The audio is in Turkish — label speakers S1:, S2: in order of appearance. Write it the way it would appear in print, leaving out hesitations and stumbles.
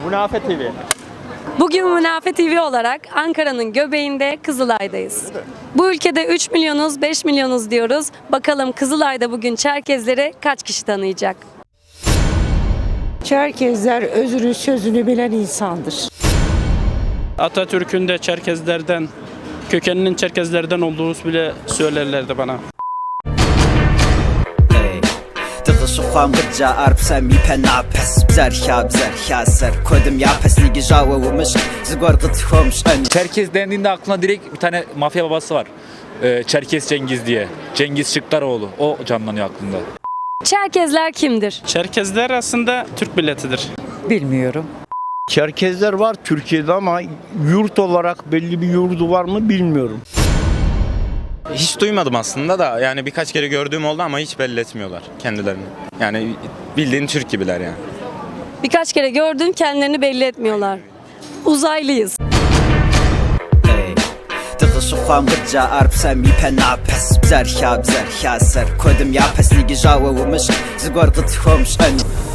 S1: Münafe TV.
S2: Bugün Münafe TV olarak Ankara'nın göbeğinde Kızılay'dayız. Bu ülkede 3 milyonuz, 5 milyonuz diyoruz. Bakalım Kızılay'da bugün Çerkezleri kaç kişi tanıyacak?
S3: Çerkezler özünü sözünü bilen insandır.
S4: Atatürk'ün de Çerkezlerden, kökeninin Çerkezlerden olduğunu bile söylerlerdi bana.
S5: Tığışıqam gıca arpsam ipen apes Bzerha ser Kodim yapes ligi java umış Zigor gıtıhomuş ön
S6: Çerkez dendiğinde aklına direkt bir tane mafya babası var. Çerkez Cengiz diye. Cengiz Şıklaroğlu. O canlanıyor aklımda.
S2: Çerkezler kimdir?
S4: Çerkezler aslında Türk milletidir.
S3: Bilmiyorum.
S1: Çerkezler var Türkiye'de ama yurt olarak belli bir yurdu var mı bilmiyorum.
S7: Hiç duymadım aslında da yani birkaç kere gördüğüm oldu ama hiç belli etmiyorlar kendilerini. Yani bildiğin Türk gibiler yani.
S2: Birkaç kere gördün, kendilerini belli etmiyorlar. Uzaylıyız.
S5: Tığışıqam gıca arpsam ipen apes Bzerha ser Kodim yapes ligi java umış Zigor gıtıhomuş ön